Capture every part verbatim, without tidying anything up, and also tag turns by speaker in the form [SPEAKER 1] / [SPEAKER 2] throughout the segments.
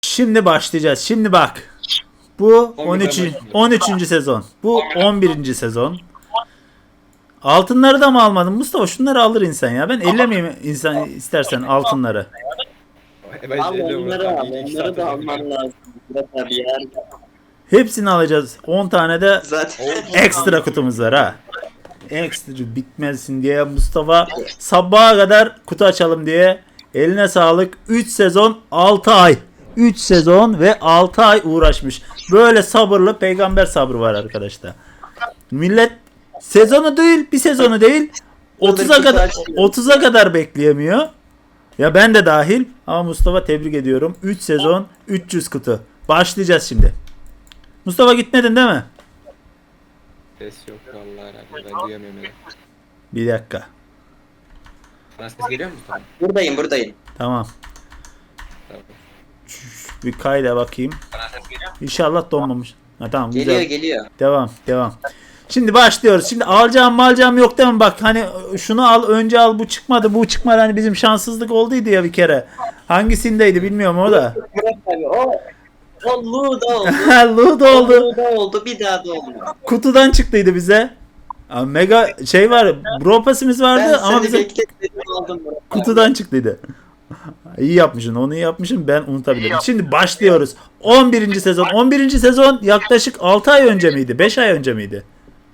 [SPEAKER 1] Şimdi başlayacağız. Şimdi bak. Bu on üç.
[SPEAKER 2] başlıyor.
[SPEAKER 1] on üçüncü sezon. Bu on birinci sezon. Altınları da mı almadın Mustafa? Şunları alır insan ya. Ben ellemeyeyim insan istersen altınları.
[SPEAKER 2] Ben
[SPEAKER 3] Al
[SPEAKER 2] elliyorum
[SPEAKER 3] onları
[SPEAKER 2] Murat
[SPEAKER 3] al.
[SPEAKER 2] abi, iki
[SPEAKER 3] Onları
[SPEAKER 2] saat
[SPEAKER 3] da
[SPEAKER 2] önce
[SPEAKER 3] alman
[SPEAKER 2] biliyorum.
[SPEAKER 3] lazım. Murat abi ya.
[SPEAKER 1] Hepsini alacağız. on tane de
[SPEAKER 3] Zaten
[SPEAKER 1] ekstra kutumuz var ha. Ekstra bitmezsin diye Mustafa sabaha kadar kutu açalım diye eline sağlık. üç sezon altı ay. üç sezon ve altı ay uğraşmış. Böyle sabırlı peygamber sabrı var arkadaşlar. Millet sezonu değil, bir sezonu değil. otuza kadar otuza kadar bekleyemiyor. Ya ben de dahil ama Mustafa tebrik ediyorum. üç sezon üç yüz kutu. Başlayacağız şimdi. Mustafa gitmedin değil mi?
[SPEAKER 2] Ses yok vallahi herhalde, ben duyamıyorum öyle.
[SPEAKER 1] Bir dakika.
[SPEAKER 2] Bana ses geliyor mu Mustafa?
[SPEAKER 3] buradayım buradayım.
[SPEAKER 1] Tamam.
[SPEAKER 2] Tamam.
[SPEAKER 1] Bir kayda bakayım.
[SPEAKER 2] Bana ses geliyor mu?
[SPEAKER 1] İnşallah donmamış. Ha, tamam
[SPEAKER 3] Geliyor
[SPEAKER 1] güzel.
[SPEAKER 3] geliyor.
[SPEAKER 1] Devam devam. Şimdi başlıyoruz. Şimdi alacağım malcam yok değil mi? Bak hani şunu al önce al bu çıkmadı bu çıkmadı. Hani bizim şanssızlık olduydu ya bir kere. Hangisindeydi bilmiyorum o da.
[SPEAKER 3] Murat abi o o Luda oldu.
[SPEAKER 1] Ludo oldu.
[SPEAKER 3] Luda oldu bir daha da oldu.
[SPEAKER 1] Kutudan çıktıydı bize. Abi mega şey var. Bro pasimiz vardı
[SPEAKER 3] Ben
[SPEAKER 1] ama
[SPEAKER 3] seni
[SPEAKER 1] bize
[SPEAKER 3] bekletmedim aldım Murat abi.
[SPEAKER 1] kutudan çıktıydı. İyi yapmışsın. Onu iyi yapmışım. Ben unutabilirim. Şimdi başlıyoruz. on birinci sezon. on birinci sezon yaklaşık altı ay önce miydi? beş ay önce miydi?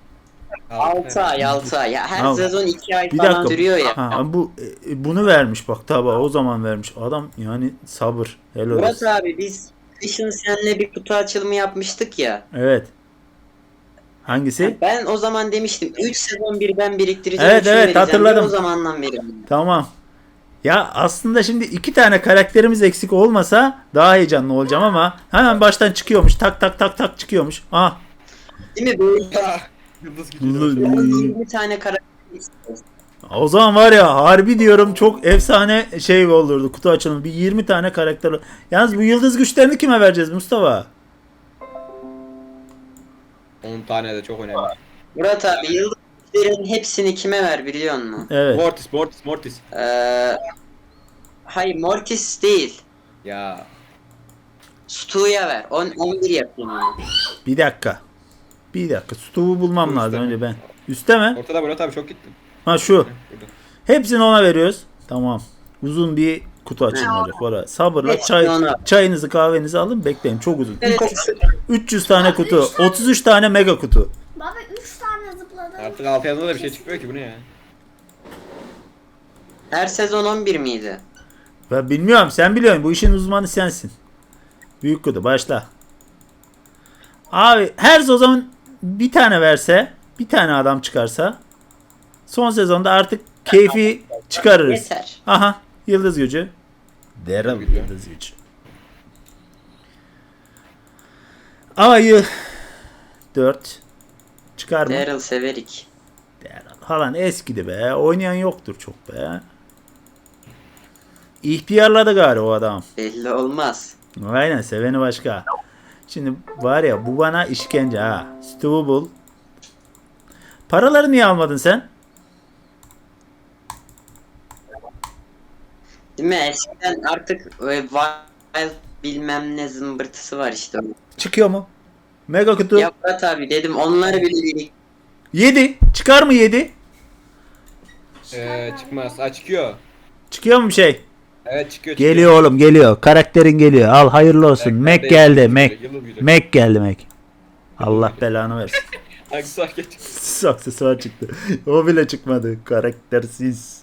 [SPEAKER 3] altı ay altı ay. Ya her
[SPEAKER 1] Tamam.
[SPEAKER 3] sezon iki ay
[SPEAKER 1] Bir
[SPEAKER 3] falan
[SPEAKER 1] dakika.
[SPEAKER 3] sürüyor ya.
[SPEAKER 1] Ha, bu e, bunu vermiş bak tabi o zaman vermiş. Adam yani sabır. Helal
[SPEAKER 3] Murat
[SPEAKER 1] olsun.
[SPEAKER 3] abi biz kışın seninle bir kutu açılımı yapmıştık ya.
[SPEAKER 1] Evet. Hangisi?
[SPEAKER 3] Ben o zaman demiştim üç sezon bir ben biriktireceğim.
[SPEAKER 1] Evet,
[SPEAKER 3] üçünü
[SPEAKER 1] evet,
[SPEAKER 3] vereceğim diye
[SPEAKER 1] hatırladım.
[SPEAKER 3] O zamandan beri.
[SPEAKER 1] Tamam. Ya aslında şimdi iki tane karakterimiz eksik olmasa daha heyecanlı olacağım ama hemen baştan çıkıyormuş. Tak tak tak tak çıkıyormuş. Ah.
[SPEAKER 3] Değil mi böyle
[SPEAKER 2] Yıldız gidiyor.
[SPEAKER 3] yirmi tane karakter istiyoruz.
[SPEAKER 1] O zaman var ya harbi diyorum çok efsane şey olurdu kutu açılımı. Bir yirmi tane karakter. Yalnız bu yıldız güçlerini kime vereceğiz Mustafa?
[SPEAKER 2] on tane de çok önemli.
[SPEAKER 3] Murat abi yıldızların hepsini kime ver biliyor musun?
[SPEAKER 1] Evet.
[SPEAKER 2] Mortis, Mortis, Mortis.
[SPEAKER 3] Ee, hayır Mortis değil.
[SPEAKER 2] Ya.
[SPEAKER 3] Stu'ya ver. on on bir yapayım onu.
[SPEAKER 1] Bir dakika. Bir dakika. Stu'yu bulmam
[SPEAKER 2] Üstte
[SPEAKER 1] lazım
[SPEAKER 2] mi?
[SPEAKER 1] önce ben. Üste mi?
[SPEAKER 2] Ortada Murat abi çok gittim.
[SPEAKER 1] Ha şu.
[SPEAKER 2] Burada.
[SPEAKER 1] Hepsini ona veriyoruz. Tamam. Uzun bir kutu açılımı olacak. Var ya, sabırla
[SPEAKER 3] Hepsini
[SPEAKER 1] çay,
[SPEAKER 3] ona.
[SPEAKER 1] çayınızı kahvenizi alın bekleyin. Çok uzun.
[SPEAKER 3] Evet.
[SPEAKER 1] üç yüz tane kutu. otuz üç tane mega kutu.
[SPEAKER 4] Baba üç tane zıpladı.
[SPEAKER 2] Artık altı yazında da bir şey çıkmıyor ki, bu ne ya?
[SPEAKER 3] Her sezon on bir miydi?
[SPEAKER 1] Ben bilmiyorum. Sen biliyorsun. Bu işin uzmanı sensin. Büyük kutu. Başla. Abi her sezon bir tane verse, bir tane adam çıkarsa son sezonda artık keyfi çıkarırız.
[SPEAKER 3] Yeter.
[SPEAKER 1] Aha. Yıldız gücü. Daryl
[SPEAKER 2] Güzel.
[SPEAKER 1] yıldız gücü. Ayı dört çıkar mı?
[SPEAKER 3] Daryl Severik.
[SPEAKER 1] Daryl. Halan eskidi be. Oynayan yoktur çok be. İhtiyarladı galiba o adam.
[SPEAKER 3] Belli olmaz.
[SPEAKER 1] Aynen seveni başka. Şimdi var ya bu bana işkence ha. Stu'yu bul. Paraları niye almadın sen?
[SPEAKER 3] Değil mi? Eskiden artık e, wild bilmem ne zımbırtısı var işte.
[SPEAKER 1] Çıkıyor mu? Mega kutu.
[SPEAKER 3] Ya Murat abi dedim onları bile birik.
[SPEAKER 1] yedi. Çıkar mı yedi?
[SPEAKER 2] Ee, çıkmaz. Ha, çıkıyor.
[SPEAKER 1] Çıkıyor mu bir şey?
[SPEAKER 2] Evet çıkıyor, çıkıyor.
[SPEAKER 1] Geliyor oğlum geliyor. Karakterin geliyor. Al hayırlı olsun.
[SPEAKER 2] Karakter
[SPEAKER 1] Mac
[SPEAKER 2] değil,
[SPEAKER 1] geldi.
[SPEAKER 2] yıldız
[SPEAKER 1] Mac.
[SPEAKER 2] gücü, yıldız gücü.
[SPEAKER 1] Mac geldi Mac. Allah belanı versin.
[SPEAKER 2] Aksesuar geç.
[SPEAKER 1] Aksesuar çıktı. O bile çıkmadı. Karaktersiz.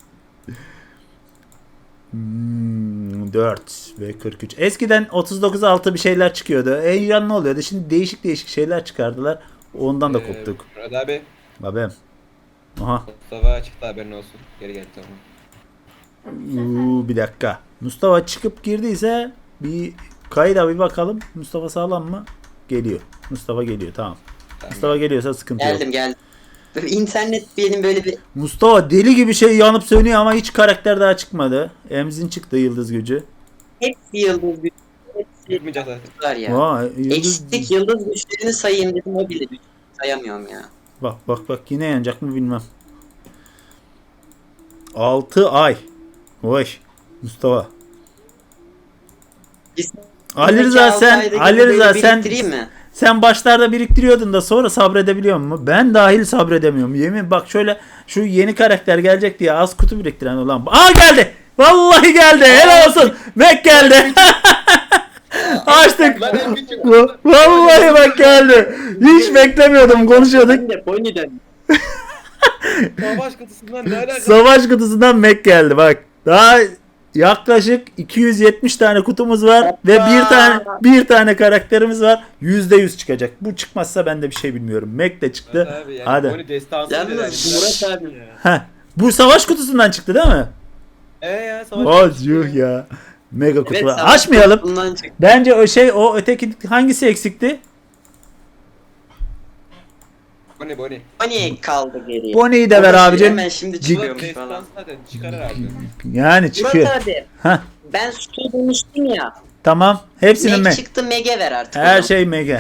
[SPEAKER 1] Hmm, dört ve kırk üç. Eskiden otuz dokuz altı bir şeyler çıkıyordu. Heyecanlı oluyordu. Şimdi değişik değişik şeyler çıkardılar. Ondan da
[SPEAKER 2] Ee,
[SPEAKER 1] koptuk.
[SPEAKER 2] Murat abi.
[SPEAKER 1] Babem. Aha.
[SPEAKER 2] Mustafa çıktı, haberin olsun. Geri geldi, tamam.
[SPEAKER 1] Uuu, bir dakika. Mustafa çıkıp girdiyse bir kayda bir bakalım. Mustafa sağlam mı? Geliyor. Mustafa geliyor tamam.
[SPEAKER 2] Tamam.
[SPEAKER 1] Mustafa geliyorsa sıkıntı yok.
[SPEAKER 3] Geldim geldim. Böyle İnternet benim böyle bir
[SPEAKER 1] Mustafa deli gibi şey yanıp sönüyor ama hiç karakter daha çıkmadı. Emzin çıktı yıldız gücü.
[SPEAKER 3] hepsi yıldız güçleri. Hepsi
[SPEAKER 2] Çıkmayacak zaten.
[SPEAKER 3] var ya.
[SPEAKER 1] Vay, yıldız...
[SPEAKER 3] Eksik yıldız güçlerini sayayım dedim o bile sayamıyorum ya.
[SPEAKER 1] Bak bak bak yine yanacak mı bilmem. altı ay. Oy Mustafa.
[SPEAKER 3] Biz
[SPEAKER 1] Ali Rıza
[SPEAKER 3] Önümüzdeki altı
[SPEAKER 1] sen
[SPEAKER 3] ayda
[SPEAKER 1] Ali
[SPEAKER 3] gibi
[SPEAKER 1] Rıza
[SPEAKER 3] böyle
[SPEAKER 1] sen
[SPEAKER 3] biriktireyim mi?
[SPEAKER 1] sen başlarda biriktiriyordun da sonra sabredebiliyor musun? Ben dahil sabredemiyorum. Yemin bak şöyle şu yeni karakter gelecek diye az kutu biriktiren olan. Aa geldi. Vallahi geldi. Helal olsun. Mac geldi. Açtık.
[SPEAKER 2] Lan en küçük.
[SPEAKER 1] Va- Vallahi bak geldi. Hiç beklemiyordum. Konuşuyorduk.
[SPEAKER 3] Ben de Pony'den.
[SPEAKER 2] Savaş kutusundan ne alaka?
[SPEAKER 1] Savaş kutusundan Mac geldi bak. Daha yaklaşık iki yüz yetmiş tane kutumuz var ve bir tane bir tane karakterimiz var. yüzde yüz çıkacak. Bu çıkmazsa ben de bir şey bilmiyorum. Mac de çıktı.
[SPEAKER 2] Abi yani
[SPEAKER 1] Hadi.
[SPEAKER 2] Bonnie destansı
[SPEAKER 3] Yalnız Murat abi.
[SPEAKER 1] Heh. Bu savaş kutusundan çıktı değil mi?
[SPEAKER 2] Eee ya savaş
[SPEAKER 1] Oh
[SPEAKER 2] kutusu.
[SPEAKER 1] yuh ya. Mega kutu
[SPEAKER 3] Evet,
[SPEAKER 1] var.
[SPEAKER 3] savaş
[SPEAKER 1] Açmayalım.
[SPEAKER 3] kutusundan çıktı.
[SPEAKER 1] Bence o şey o öteki hangisi eksikti?
[SPEAKER 2] Bonnie Bonnie.
[SPEAKER 3] Pony kaldı geriye.
[SPEAKER 1] Bonnie'yi de ver
[SPEAKER 3] Ama
[SPEAKER 1] abicim.
[SPEAKER 3] Hemen şimdi
[SPEAKER 1] Cid-
[SPEAKER 3] çıkıyormuş
[SPEAKER 2] Destans
[SPEAKER 3] falan.
[SPEAKER 2] zaten çıkar herhalde.
[SPEAKER 1] Yani çıkıyor.
[SPEAKER 3] Murat abi.
[SPEAKER 1] Heh.
[SPEAKER 3] Ben sütü demiştim ya.
[SPEAKER 1] Tamam. Hepsinin
[SPEAKER 3] Meg
[SPEAKER 1] mi?
[SPEAKER 3] çıktı Meg'e ver artık.
[SPEAKER 1] Her
[SPEAKER 3] onu.
[SPEAKER 1] şey mega.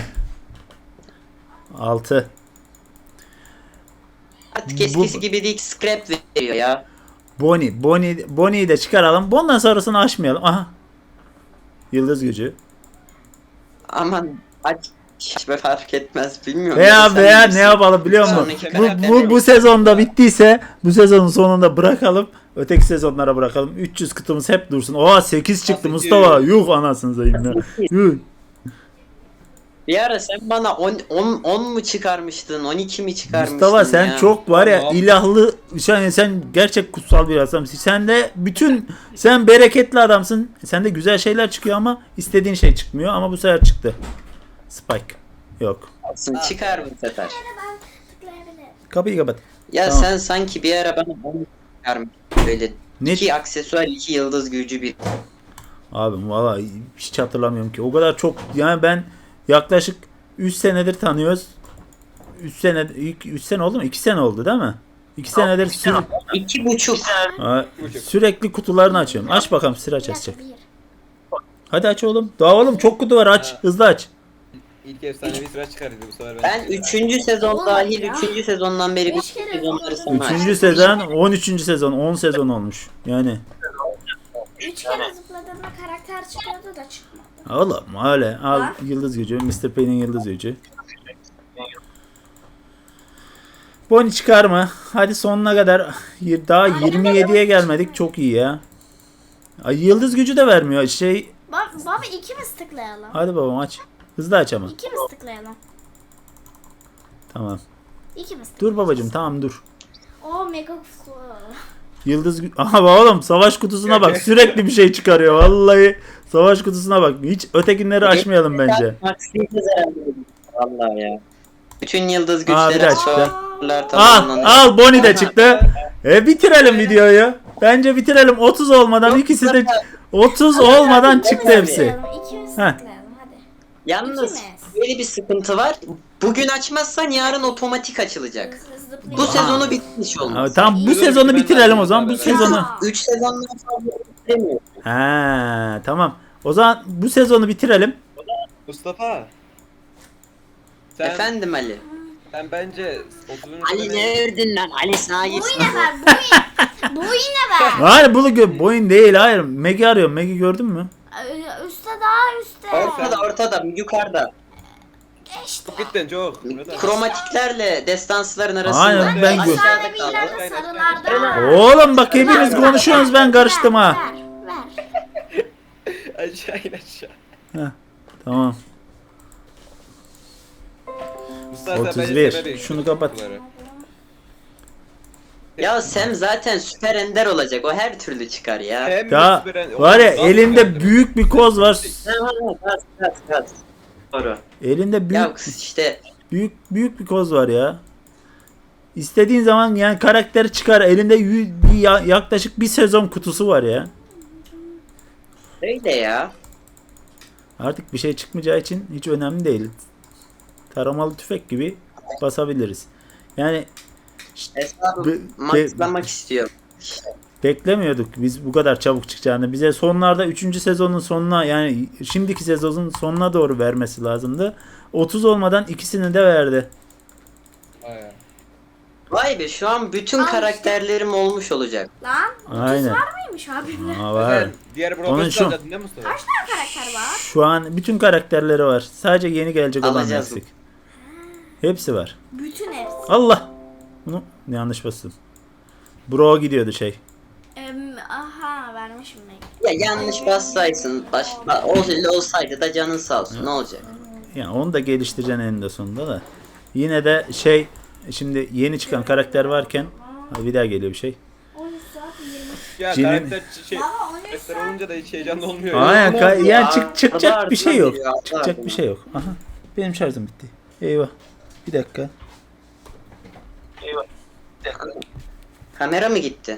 [SPEAKER 1] altı.
[SPEAKER 3] Artık eskisi
[SPEAKER 1] Bu-
[SPEAKER 3] gibi değil, scrap veriyor ya.
[SPEAKER 1] Bonnie. Bonnie Bonnie'yi de çıkaralım. Bundan sonrasını açmayalım. Aha. Yıldız gücü.
[SPEAKER 3] Aman aç hiç be fark etmez bilmiyorum.
[SPEAKER 1] Veya
[SPEAKER 3] Sen
[SPEAKER 1] veya
[SPEAKER 3] bilirsin.
[SPEAKER 1] ne yapalım biliyor musun?
[SPEAKER 3] Sonraki
[SPEAKER 1] Bu,
[SPEAKER 3] karakter
[SPEAKER 1] bu,
[SPEAKER 3] yok.
[SPEAKER 1] bu sezonda bittiyse bu sezonun sonunda bırakalım. Öteki sezonlara bırakalım. üç yüz kutumuz hep dursun. Oha sekiz çıktı
[SPEAKER 2] sekiz.
[SPEAKER 1] Mustafa. Yuh anasını satayım ya. Yuh.
[SPEAKER 3] Bir ara sen bana on, on, on mu çıkarmıştın, on iki mi çıkarmıştın
[SPEAKER 1] Mustafa sen
[SPEAKER 3] ya?
[SPEAKER 1] çok var ya
[SPEAKER 2] Tamam.
[SPEAKER 1] ilahlı sen, sen gerçek kutsal bir adamsın. Sen de bütün sen bereketli adamsın. Sen de güzel şeyler çıkıyor ama istediğin şey çıkmıyor ama bu sefer çıktı. Spike. Yok.
[SPEAKER 3] Olsun, çıkar bu sefer.
[SPEAKER 4] Ben tıklayabilirim.
[SPEAKER 1] Kapıyı kapat.
[SPEAKER 3] Ya
[SPEAKER 1] Tamam.
[SPEAKER 3] sen sanki bir ara bana on çıkarmıştın böyle.
[SPEAKER 1] Ne?
[SPEAKER 3] İki aksesuar, iki yıldız gücü bir.
[SPEAKER 1] Abim valla hiç hatırlamıyorum ki. O kadar çok yani ben yaklaşık üç senedir tanıyoruz. üç sene üç sene oldu mu? iki sene oldu değil mi? iki senedir süre,
[SPEAKER 3] İki buçuk.
[SPEAKER 1] Aa, sürekli kutularını açıyorum. Aç bakalım sıra
[SPEAKER 4] Bir dakika,
[SPEAKER 1] açacak.
[SPEAKER 4] bir.
[SPEAKER 1] Hadi aç oğlum. Daha oğlum çok kutu var aç. Hızlı aç.
[SPEAKER 2] İlk efsanevi sıra çıkardı bu sefer.
[SPEAKER 3] Ben üçüncü sezon
[SPEAKER 4] Olmadı
[SPEAKER 3] dahil
[SPEAKER 4] ya.
[SPEAKER 3] üçüncü sezondan beri
[SPEAKER 4] Beş
[SPEAKER 3] bütün
[SPEAKER 4] kere
[SPEAKER 3] sezonları
[SPEAKER 4] oldu.
[SPEAKER 3] sana
[SPEAKER 1] Üçüncü
[SPEAKER 3] açtım.
[SPEAKER 1] sezon on üçüncü sezon on sezon olmuş. Yani
[SPEAKER 4] Üç kere zıpladığımda karakter çıkıyordu da çıkmadı.
[SPEAKER 1] oğlum öyle al
[SPEAKER 4] Ha?
[SPEAKER 1] yıldız gücü. mister Payne'in yıldız gücü. Bonnie çıkarma. Hadi sonuna kadar y- daha yirmi yediye gelmedik. Çok iyi ya. Ay, yıldız gücü de vermiyor. Şey
[SPEAKER 4] Baba, baba iki mi tıklayalım?
[SPEAKER 1] hadi babam aç. Hızlı aç ama.
[SPEAKER 4] İki mi tıklayalım?
[SPEAKER 1] Tamam.
[SPEAKER 4] İki mi tıklayalım?
[SPEAKER 1] Dur babacım tamam dur.
[SPEAKER 4] O mega kutu.
[SPEAKER 1] Yıldız gü- aha oğlum savaş kutusuna bak. Sürekli bir şey çıkarıyor. Vallahi savaş kutusuna bak. Hiç ötekinleri açmayalım bence.
[SPEAKER 3] Maksiyeceğiz herhalde. Vallahi ya. Bütün yıldız
[SPEAKER 1] Aa, bir
[SPEAKER 3] güçleri
[SPEAKER 1] daha çıktı.
[SPEAKER 3] açıyorlar
[SPEAKER 1] Al
[SPEAKER 3] tamamlanıyor.
[SPEAKER 1] al Bonnie de
[SPEAKER 3] Aha.
[SPEAKER 1] çıktı. E bitirelim videoyu. Bence bitirelim. otuz olmadan ikisi de otuz olmadan çıktı hepsi.
[SPEAKER 4] Tıklayalım, İki mi
[SPEAKER 1] Heh.
[SPEAKER 4] tıklayalım hadi.
[SPEAKER 3] Yalnız
[SPEAKER 4] İki mi?
[SPEAKER 3] böyle bir sıkıntı var. Bugün açmazsan yarın otomatik açılacak.
[SPEAKER 4] Hızlı zıplayalım.
[SPEAKER 3] Bu sezonu bitmiş
[SPEAKER 1] Abi,
[SPEAKER 3] olmaz.
[SPEAKER 1] tamam bu
[SPEAKER 2] Sezonu
[SPEAKER 1] sezonu
[SPEAKER 2] bitmez
[SPEAKER 1] bitirelim
[SPEAKER 2] abi,
[SPEAKER 1] o zaman. Bu
[SPEAKER 2] beraber.
[SPEAKER 1] sezonu.
[SPEAKER 4] Ya.
[SPEAKER 3] üç sezondan fazla bitiremiyor.
[SPEAKER 1] Ha tamam. O zaman bu sezonu bitirelim.
[SPEAKER 2] Mustafa. Sen,
[SPEAKER 3] Efendim Ali.
[SPEAKER 2] sen bence otuzuncu
[SPEAKER 3] Ali
[SPEAKER 2] sene-
[SPEAKER 3] ne övdün lan? Ali sana
[SPEAKER 4] Bu
[SPEAKER 3] gitsin.
[SPEAKER 4] yine ver, bu yine. Bu yine ver.
[SPEAKER 1] Hayır bunu gö boyun değil hayır. Meg'i arıyorum. Meg'i gördün mü?
[SPEAKER 4] Ee, Üste daha üstte.
[SPEAKER 3] Ortada ortada yukarıda.
[SPEAKER 4] İşte.
[SPEAKER 2] Çok gittin çok. Murat abi.
[SPEAKER 3] Kromatiklerle destansların arasında.
[SPEAKER 1] Aynen, ben gö-
[SPEAKER 3] Aşağıda kaldı.
[SPEAKER 4] Masanevilerde sarılarda.
[SPEAKER 1] Oğlum bak hepiniz konuşuyorsunuz ben karıştım ha.
[SPEAKER 4] Ver, ver.
[SPEAKER 2] Aşağı in aşağı.
[SPEAKER 1] Tamam.
[SPEAKER 2] Mustafa sen
[SPEAKER 1] otuz
[SPEAKER 2] bence
[SPEAKER 1] bir.
[SPEAKER 2] sebebi
[SPEAKER 1] Şunu kapat.
[SPEAKER 2] kutuları.
[SPEAKER 3] Ya Sam zaten süper ender olacak. O her türlü çıkar ya.
[SPEAKER 2] Hem
[SPEAKER 1] Ya
[SPEAKER 2] süperen-
[SPEAKER 1] var ya
[SPEAKER 2] Oğlum,
[SPEAKER 1] elinde
[SPEAKER 2] nasıl
[SPEAKER 1] büyük bir koz var.
[SPEAKER 3] Ha, ha, ha, Gaz gaz gaz. Doğru.
[SPEAKER 1] Elinde
[SPEAKER 3] Ya
[SPEAKER 1] büyük
[SPEAKER 3] işte
[SPEAKER 1] büyük büyük bir koz var ya. İstediğin zaman yani karakteri çıkar. Elinde yü- bir ya- yaklaşık bir sezon kutusu var ya.
[SPEAKER 3] öyle ya.
[SPEAKER 1] Artık bir şey çıkmayacağı için hiç önemli değil. Taramalı tüfek gibi basabiliriz. Yani
[SPEAKER 3] Hesabı
[SPEAKER 1] Be-
[SPEAKER 3] maxlamak istiyorum.
[SPEAKER 1] beklemiyorduk biz bu kadar çabuk çıkacağını. Bize sonlarda üçüncü sezonun sonuna yani şimdiki sezonun sonuna doğru vermesi lazımdı. otuz olmadan ikisini de verdi.
[SPEAKER 2] Vay ya.
[SPEAKER 3] Vay be şu an bütün
[SPEAKER 4] Al işte.
[SPEAKER 3] karakterlerim olmuş olacak.
[SPEAKER 4] Lan
[SPEAKER 1] Aynen.
[SPEAKER 4] Var mıymış abimle?
[SPEAKER 1] Aa, var.
[SPEAKER 2] Sen diğer
[SPEAKER 1] Onun
[SPEAKER 2] profesör
[SPEAKER 1] şu-
[SPEAKER 2] alacaksın değil mi Mustafa?
[SPEAKER 4] Kaç tane karakter var?
[SPEAKER 1] Şu an bütün karakterleri var. Sadece yeni gelecek olan
[SPEAKER 3] Alacağız.
[SPEAKER 1] eksik. Hepsi var.
[SPEAKER 4] Bütün hepsi.
[SPEAKER 1] Allah. Bunu yanlış bastım. Bro gidiyordu şey.
[SPEAKER 4] Em, aha vermişim ben.
[SPEAKER 3] Ya yanlış bassaydın baş, ol- olsaydı da canın sağ olsun ne olacak?
[SPEAKER 1] Yani onu da geliştireceksin eninde sonunda da. Yine de şey şimdi yeni çıkan karakter varken ha, bir daha geliyor bir şey.
[SPEAKER 4] on üç saat yirmi.
[SPEAKER 2] Ya
[SPEAKER 1] Cinin-
[SPEAKER 2] karakter şey
[SPEAKER 4] Baba on üç
[SPEAKER 2] karakter
[SPEAKER 4] saat.
[SPEAKER 2] olunca da hiç heyecanlı olmuyor. ya.
[SPEAKER 1] Aynen
[SPEAKER 3] ne
[SPEAKER 1] ka-
[SPEAKER 3] oldu
[SPEAKER 1] yani
[SPEAKER 3] ya?
[SPEAKER 1] çık, çıkacak
[SPEAKER 3] Adı
[SPEAKER 1] bir şey
[SPEAKER 3] ardına
[SPEAKER 1] yok.
[SPEAKER 3] geliyor, adı
[SPEAKER 1] Çıkacak
[SPEAKER 3] ardına.
[SPEAKER 1] bir şey yok. Aha. Benim şarjım bitti. Eyvah. Bir dakika.
[SPEAKER 3] Kamera mı gitti?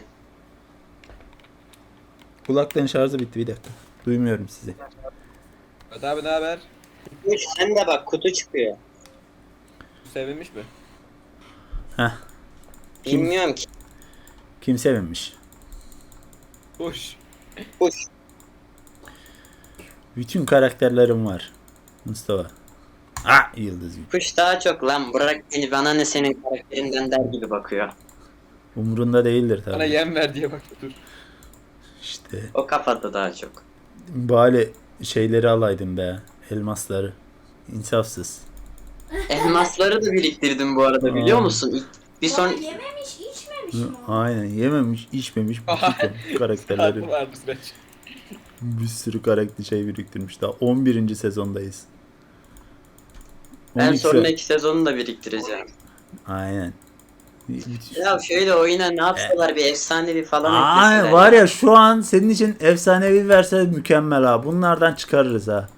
[SPEAKER 1] Kulaklığın şarjı bitti bir dakika. Duymuyorum sizi.
[SPEAKER 2] Hadi abi ne haber?
[SPEAKER 3] Sen de bak kutu çıkıyor.
[SPEAKER 2] Sevinmiş mi?
[SPEAKER 1] Heh. Kim-
[SPEAKER 3] Bilmiyorum ki.
[SPEAKER 1] Kim sevinmiş?
[SPEAKER 2] Hoş.
[SPEAKER 3] Kuş.
[SPEAKER 1] Bütün karakterlerim var. Mustafa. Ah yıldız gibi.
[SPEAKER 3] Kuş daha çok lan bırak beni bana ne senin karakterinden der gibi bakıyor.
[SPEAKER 1] Umurunda değildir
[SPEAKER 2] Bana
[SPEAKER 1] tabii.
[SPEAKER 2] yem ver diye bak dur.
[SPEAKER 1] İşte
[SPEAKER 3] O kafada daha çok.
[SPEAKER 1] bari şeyleri alaydın be. Elmasları. İnsafsız.
[SPEAKER 3] Elmasları da biriktirdim bu arada biliyor
[SPEAKER 1] Aa.
[SPEAKER 3] musun? İlk- Bir
[SPEAKER 4] Baba
[SPEAKER 3] son
[SPEAKER 4] yememiş içmemiş
[SPEAKER 1] Hı,
[SPEAKER 4] mi? o?
[SPEAKER 1] Aynen yememiş içmemiş bütün karakterleri.
[SPEAKER 2] Farklı vardı süreç.
[SPEAKER 1] Bir sürü karakter şey biriktirmiş. Daha on birinci sezondayız.
[SPEAKER 3] ben
[SPEAKER 1] on iki se-
[SPEAKER 3] sonraki sezonu da biriktireceğim.
[SPEAKER 1] Aynen.
[SPEAKER 3] Ya şöyle oyuna ne yapsalar bir efsanevi falan
[SPEAKER 1] Ay
[SPEAKER 3] ekleseler
[SPEAKER 1] var ya şu an senin için efsanevi verse mükemmel ha. Bunlardan çıkarırız ha.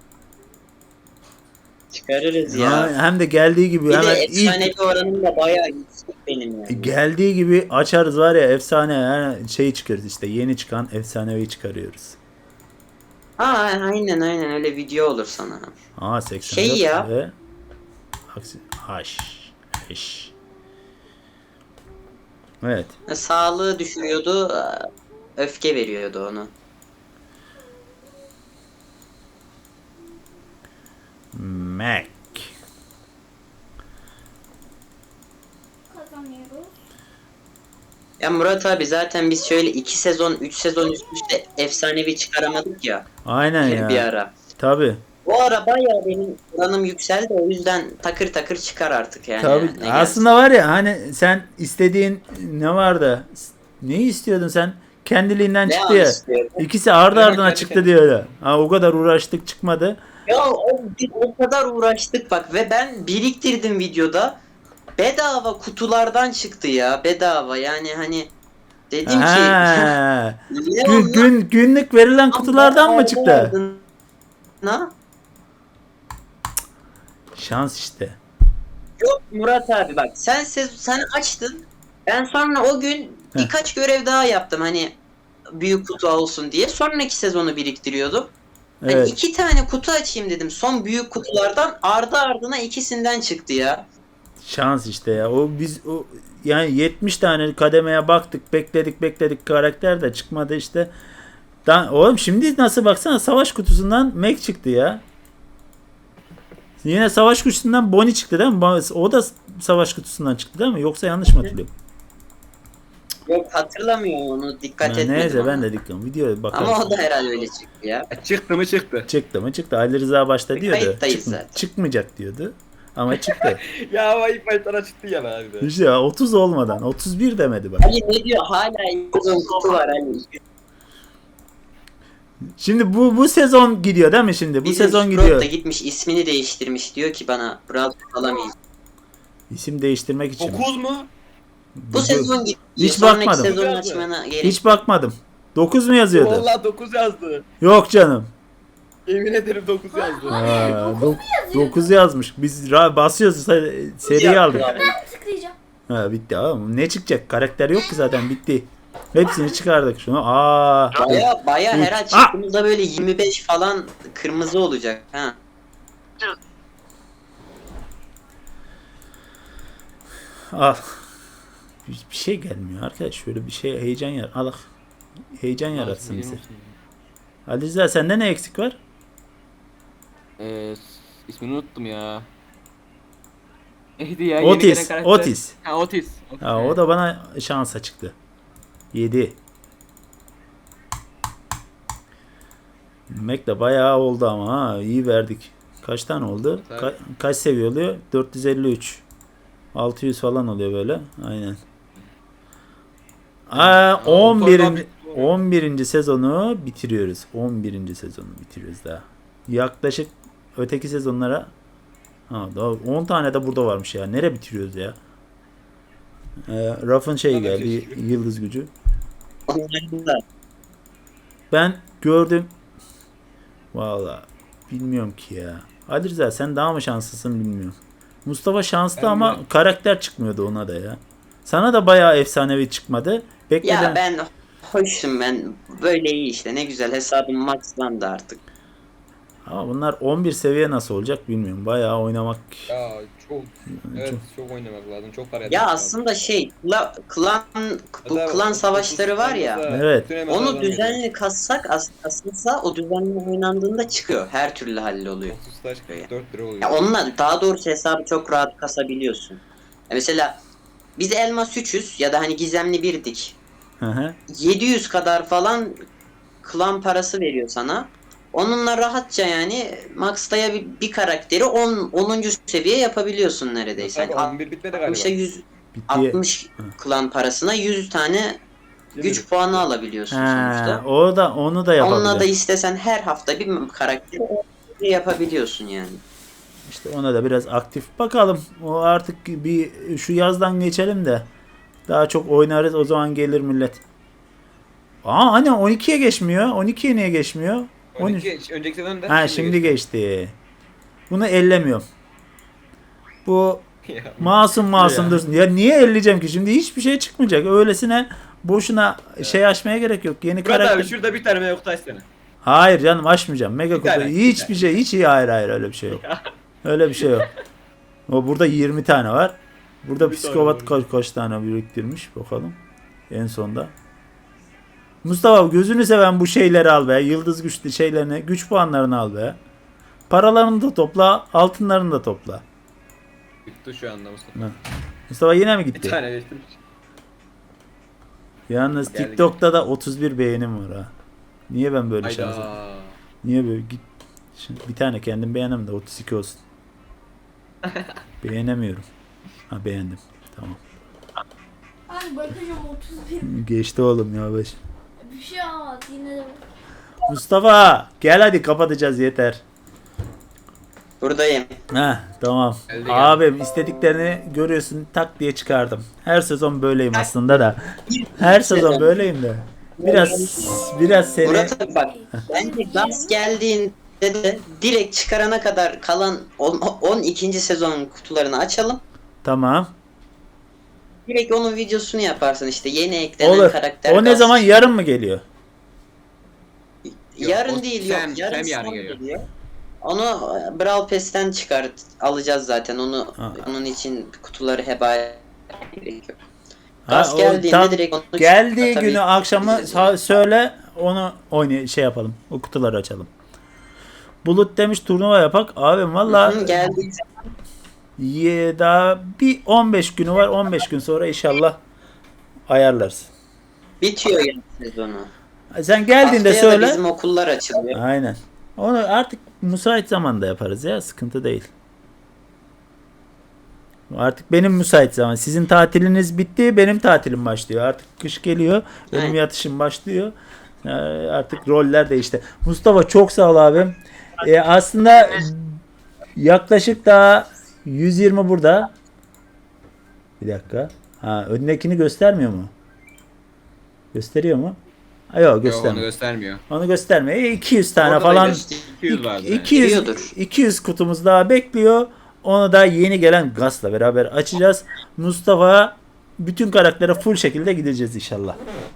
[SPEAKER 3] Çıkarırız ya.
[SPEAKER 1] Ha, hem de geldiği gibi
[SPEAKER 3] Bir de
[SPEAKER 1] hemen
[SPEAKER 3] efsanevi
[SPEAKER 1] ilk
[SPEAKER 3] oranım da bayağı yüksek benim yani.
[SPEAKER 1] geldiği gibi açarız var ya efsane yani şey çıkarız işte yeni çıkan efsanevi çıkarıyoruz.
[SPEAKER 3] Ha aynen aynen öyle video olur sana.
[SPEAKER 1] Aa seksen dört
[SPEAKER 3] Şey ya.
[SPEAKER 1] ve aksi haş haş. Evet.
[SPEAKER 3] Sağlığı düşürüyordu, öfke veriyordu onu.
[SPEAKER 1] Mac.
[SPEAKER 4] Kazanıyoruz.
[SPEAKER 3] Ya Murat abi zaten biz şöyle iki sezon, üç sezon üst üste efsanevi çıkaramadık ya
[SPEAKER 1] Aynen
[SPEAKER 3] bir
[SPEAKER 1] ya.
[SPEAKER 3] ara.
[SPEAKER 1] Tabi.
[SPEAKER 3] O ara bayağı benim oranım yükseldi o yüzden takır takır çıkar artık yani.
[SPEAKER 1] Tabii.
[SPEAKER 3] Ne
[SPEAKER 1] Aslında var ya hani sen istediğin ne vardı? Neyi istiyordun sen? Kendiliğinden
[SPEAKER 3] gelsin.
[SPEAKER 1] çıktı
[SPEAKER 3] Ne
[SPEAKER 1] ya.
[SPEAKER 3] istiyorum?
[SPEAKER 1] İkisi ardı
[SPEAKER 2] Evet,
[SPEAKER 1] ardına
[SPEAKER 2] kendi
[SPEAKER 1] çıktı
[SPEAKER 2] kendine.
[SPEAKER 1] diyor ya. Ha, o kadar uğraştık çıkmadı.
[SPEAKER 3] Ya o, biz o kadar uğraştık bak ve ben biriktirdim videoda. Bedava kutulardan çıktı ya bedava yani hani dedim ki
[SPEAKER 1] Ha.
[SPEAKER 3] ne
[SPEAKER 1] Gün,
[SPEAKER 3] oldu?
[SPEAKER 1] gün, günlük verilen kutulardan mı çıktı?
[SPEAKER 3] Na?
[SPEAKER 1] Şans işte.
[SPEAKER 3] Yok Murat abi bak sen sez- sen açtın. Ben sonra o gün birkaç görev daha yaptım hani büyük kutu olsun diye. Sonraki sezonu biriktiriyordum. Hani
[SPEAKER 1] Evet.
[SPEAKER 3] iki tane kutu açayım dedim. Son büyük kutulardan ardı ardına ikisinden çıktı ya.
[SPEAKER 1] Şans işte ya. O biz o yani yetmiş tane kademeye baktık, bekledik, bekledik karakter de çıkmadı işte. Da, oğlum şimdi nasıl baksana savaş kutusundan Mac çıktı ya. Yine savaş kutusundan Bonnie çıktı değil mi? Ba- O da savaş kutusundan çıktı değil mi? Yoksa yanlış mı hatırlıyorum?
[SPEAKER 3] Yok hatırlamıyorum onu dikkat
[SPEAKER 1] Ya
[SPEAKER 3] etmedim.
[SPEAKER 1] neyse
[SPEAKER 3] ama.
[SPEAKER 1] ben de dikkat. Videoya bakarız.
[SPEAKER 3] Ama o da herhalde öyle çıktı ya.
[SPEAKER 2] Çıktı mı çıktı.
[SPEAKER 1] Çıktı mı çıktı. Ali Rıza başta diyordu.
[SPEAKER 3] Kayıttayız
[SPEAKER 1] çıkma-
[SPEAKER 3] zaten.
[SPEAKER 1] çıkmayacak diyordu. Ama çıktı.
[SPEAKER 2] Ya ama ilk başlara çıktı ya be abi de.
[SPEAKER 1] işte ya otuz olmadan otuz bir demedi bak.
[SPEAKER 3] Ali ne diyor hala uzun kutu var Ali.
[SPEAKER 1] Şimdi bu bu sezon gidiyor değil mi şimdi? Bu
[SPEAKER 3] Bizim
[SPEAKER 1] sezon
[SPEAKER 3] Sprott
[SPEAKER 1] gidiyor.
[SPEAKER 3] da gitmiş ismini değiştirmiş diyor ki bana Brawl alamayız.
[SPEAKER 1] İsim değiştirmek için. mi?
[SPEAKER 2] dokuz mu?
[SPEAKER 3] Bu sezon gidiyor.
[SPEAKER 1] Hiç
[SPEAKER 3] Sonraki
[SPEAKER 1] bakmadım.
[SPEAKER 3] sezon açmana gerek.
[SPEAKER 1] Hiç bakmadım. dokuz mu yazıyordu?
[SPEAKER 2] Vallahi dokuz yazdı.
[SPEAKER 1] Yok canım.
[SPEAKER 2] Yemin ederim dokuz yazdı.
[SPEAKER 1] dokuz yazmış. Biz ra- basıyoruz se- seriyi aldık.
[SPEAKER 4] Tıklayacağım.
[SPEAKER 1] Ha bitti abi. Ne çıkacak? Karakter yok ki zaten bitti. Hepsini çıkardık şunu. Aa.
[SPEAKER 3] Baya baya
[SPEAKER 1] Üç.
[SPEAKER 3] her
[SPEAKER 1] Ah!
[SPEAKER 3] açtığımızda böyle yirmi beş falan kırmızı olacak. Ha.
[SPEAKER 1] Al. Bir bir şey gelmiyor arkadaş. Şöyle bir şey heyecan yar. Al. Heyecan yaratsın bize. Ali Rıza sende ne eksik var?
[SPEAKER 5] Ee, ismini unuttum ya. Neydi ya? Yeni
[SPEAKER 1] Otis.
[SPEAKER 5] gelen karakter.
[SPEAKER 1] Otis.
[SPEAKER 5] Ha Otis. Otis.
[SPEAKER 1] Ha, o da bana şansa çıktı. yedi. Mac de bayağı oldu ama ha. İyi verdik. Kaç tane oldu?
[SPEAKER 2] Tabii.
[SPEAKER 1] Ka- kaç seviye oluyor? dört yüz elli üç. altı yüz falan oluyor böyle. Aynen. Aa,
[SPEAKER 2] Aa,
[SPEAKER 1] on birinci
[SPEAKER 2] motorlar bitti.
[SPEAKER 1] on birinci sezonu bitiriyoruz. on birinci sezonu bitiriyoruz daha. Yaklaşık öteki sezonlara ha, daha on tane de burada varmış ya. Nereye bitiriyoruz ya? Ee, Raf'ın şeyi
[SPEAKER 2] Tabii
[SPEAKER 1] geldi.
[SPEAKER 2] ki.
[SPEAKER 1] Yıldız gücü.
[SPEAKER 3] Onların da
[SPEAKER 1] Ben gördüm. Valla bilmiyorum ki ya. Ali Rıza sen daha mı şanslısın bilmiyorum. Mustafa şanslı
[SPEAKER 2] Ben
[SPEAKER 1] ama
[SPEAKER 2] de.
[SPEAKER 1] karakter çıkmıyordu ona da ya. Sana da bayağı efsanevi çıkmadı. Bekleden...
[SPEAKER 3] ya ben hoşum ben. Böyle iyi işte. Ne güzel hesabım maxlandı artık.
[SPEAKER 1] Ama bunlar on bir seviye nasıl olacak bilmiyorum. Bayağı oynamak.
[SPEAKER 2] Ya çok evet
[SPEAKER 1] Çok-
[SPEAKER 2] çok, oynamak lazım. Çok para
[SPEAKER 3] Ya
[SPEAKER 2] yatırmak
[SPEAKER 3] aslında şey kla- klan bu
[SPEAKER 2] lazım.
[SPEAKER 3] klan savaşları var ya.
[SPEAKER 1] Evet.
[SPEAKER 2] bütün
[SPEAKER 3] Onu
[SPEAKER 2] emeği
[SPEAKER 3] düzenli kassak as- aslında o düzenli oynandığında çıkıyor. Her türlü halloluyor.
[SPEAKER 2] otuz taş kırk dört lira oluyor.
[SPEAKER 3] Ya onunla daha doğrusu hesabı çok rahat kasabiliyorsun. Ya mesela biz elmas üçüz ya da hani gizemli birdik.
[SPEAKER 1] Hı hı.
[SPEAKER 3] yedi yüz kadar falan klan parası veriyor sana. Onunla rahatça yani max'taya bir, bir karakteri on onuncu seviye yapabiliyorsun neredeyse.
[SPEAKER 2] Tabii,
[SPEAKER 3] Yani
[SPEAKER 2] on bir bitmedi
[SPEAKER 3] altmışa
[SPEAKER 2] galiba.
[SPEAKER 3] yüz
[SPEAKER 1] Bitti.
[SPEAKER 3] altmış klan parasına yüz tane güç puanı alabiliyorsun
[SPEAKER 1] Ha,
[SPEAKER 3] sonuçta.
[SPEAKER 1] o da onu da
[SPEAKER 3] Onunla da
[SPEAKER 1] yapabilir.
[SPEAKER 3] istesen her hafta bir karakteri yapabiliyorsun yani.
[SPEAKER 1] İşte ona da biraz aktif bakalım. O artık bir şu yazdan geçelim de daha çok oynarız o zaman gelir millet. Aa hani on ikiye geçmiyor. on ikiye niye geçmiyor? on üç.
[SPEAKER 2] on iki önceki sezonda
[SPEAKER 1] Ha şimdi geçti. Bunu ellemiyorum. Bu
[SPEAKER 2] Ya,
[SPEAKER 1] masum masum dursun. Ya niye elleyeceğim ki? Şimdi hiçbir şey çıkmayacak. Öylesine boşuna şey açmaya gerek yok. Yeni
[SPEAKER 2] Murat
[SPEAKER 1] karakter.
[SPEAKER 2] abi şurada bir tane mevcut açsana.
[SPEAKER 1] Hayır canım açmayacağım. Mega
[SPEAKER 2] Bir
[SPEAKER 1] kutu.
[SPEAKER 2] tane, bir
[SPEAKER 1] Hiçbir şey. Hiç iyi. Hayır hayır öyle bir şey yok. Öyle bir şey yok. O burada yirmi tane var. Burada
[SPEAKER 2] Bir
[SPEAKER 1] psikopat
[SPEAKER 2] tane
[SPEAKER 1] kaç, kaç tane biriktirmiş bakalım. En sonda. Mustafa gözünü seven bu şeyleri al be. Yıldız güçlü şeylerini, güç puanlarını al be. Paralarını da topla, altınlarını da topla.
[SPEAKER 2] Bitti şu anda Mustafa.
[SPEAKER 1] Ha. Mustafa yine mi
[SPEAKER 2] Bir
[SPEAKER 1] gitti?
[SPEAKER 2] tane geçtim.
[SPEAKER 1] Yalnız
[SPEAKER 2] Geldi,
[SPEAKER 1] TikTok'ta da otuz bir beğenim var ha. Niye ben böyle şanslıyım?
[SPEAKER 2] Hayda.
[SPEAKER 1] Niye böyle git? Şimdi bir tane kendim beğenemem de otuz iki olsun. Beğenemiyorum. Ha beğendim. Tamam.
[SPEAKER 4] Abi bakacağım otuz bir.
[SPEAKER 1] Geçti oğlum ya beş.
[SPEAKER 4] Bir şey olmaz yine de.
[SPEAKER 1] Mustafa gel hadi kapatacağız yeter.
[SPEAKER 3] Buradayım.
[SPEAKER 1] Heh tamam.
[SPEAKER 2] Geldi, geldi.
[SPEAKER 1] Abim istediklerini görüyorsun tak diye çıkardım. Her sezon böyleyim aslında da. Her sezon böyleyim de. Biraz biraz seni
[SPEAKER 3] Murat abi bak bence gaz geldiğinde de direkt çıkarana kadar kalan on ikinci sezon kutularını açalım.
[SPEAKER 1] tamam.
[SPEAKER 3] Direkt onun videosunu yaparsın işte yeni eklenen
[SPEAKER 1] Olur.
[SPEAKER 3] karakter.
[SPEAKER 1] O ne
[SPEAKER 3] gaz.
[SPEAKER 1] zaman yarın mı geliyor?
[SPEAKER 3] Yarın
[SPEAKER 2] Yok, o
[SPEAKER 3] değil
[SPEAKER 2] Sam-
[SPEAKER 3] yok. Yarın,
[SPEAKER 2] Sam yarın
[SPEAKER 3] son
[SPEAKER 2] geliyor.
[SPEAKER 3] geliyor. Onu e, Brawl Pass'ten çıkart alacağız zaten. Onu
[SPEAKER 1] Ha.
[SPEAKER 3] onun için kutuları heba gerek yok.
[SPEAKER 1] Ha,
[SPEAKER 3] Gaz
[SPEAKER 1] o
[SPEAKER 3] geldiğinde
[SPEAKER 1] tam
[SPEAKER 3] direkt onu
[SPEAKER 1] geldiği
[SPEAKER 3] tabii
[SPEAKER 1] günü akşamı
[SPEAKER 3] gideceğiz
[SPEAKER 1] sa-
[SPEAKER 3] yani.
[SPEAKER 1] söyle onu oynay şey yapalım. O kutuları açalım. Bulut demiş turnuva yapak. Abim valla
[SPEAKER 3] Hı, geldiği
[SPEAKER 1] ye- daha bir on beş günü var. on beş gün sonra inşallah ayarlarız.
[SPEAKER 3] bitiyor yani sezonu.
[SPEAKER 1] Sen geldiğinde
[SPEAKER 3] Haftaya da
[SPEAKER 1] söyle.
[SPEAKER 3] bizim okullar açılıyor.
[SPEAKER 1] Aynen. Onu artık müsait zamanda yaparız ya. Sıkıntı değil. Artık benim müsait zaman. Sizin tatiliniz bitti. Benim tatilim başlıyor. Artık kış geliyor. Benim
[SPEAKER 3] Aynen.
[SPEAKER 1] yatışım başlıyor. Ee, artık roller değişti. Mustafa çok sağ ol abim. Ee, aslında yaklaşık daha yüz yirmi burada. Bir dakika. Ha, önündekini göstermiyor mu? Gösteriyor mu? Ha, yok
[SPEAKER 2] Yok onu
[SPEAKER 1] göstermiyor.
[SPEAKER 2] göstermiyor.
[SPEAKER 1] Onu göstermiyor. E, iki yüz tane
[SPEAKER 2] Orada da
[SPEAKER 1] falan
[SPEAKER 2] göster- iki yüz vardı yani.
[SPEAKER 1] iki yüz,
[SPEAKER 3] Geliyordur.
[SPEAKER 1] iki yüz kutumuz daha bekliyor. Onu da yeni gelen Gaz'la beraber açacağız. Mustafa bütün karaktere full şekilde gideceğiz inşallah.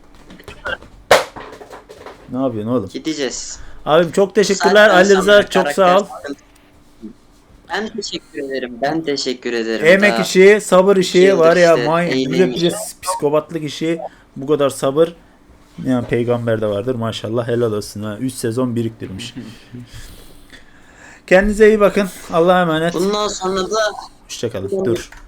[SPEAKER 1] Ne yapıyorsun oğlum?
[SPEAKER 3] Gideceğiz.
[SPEAKER 1] Abim çok teşekkürler.
[SPEAKER 3] Saatten
[SPEAKER 1] Ali Rıza
[SPEAKER 3] sonra
[SPEAKER 1] çok sağ ol.
[SPEAKER 3] karakter sıkıntı. Ben teşekkür ederim. Ben teşekkür ederim.
[SPEAKER 1] Emek
[SPEAKER 3] Daha-
[SPEAKER 1] işi, sabır işi
[SPEAKER 3] yıldır
[SPEAKER 1] var ya.
[SPEAKER 3] işte,
[SPEAKER 1] May,
[SPEAKER 3] eğleniyorum.
[SPEAKER 1] bir de psikopatlık işi. Bu kadar sabır. Yani peygamber de vardır maşallah. Helal olsun. ha. üç sezon biriktirmiş. Kendinize iyi bakın. Allah'a emanet.
[SPEAKER 3] Bundan sonra da
[SPEAKER 1] Hoşçakalın. Dur.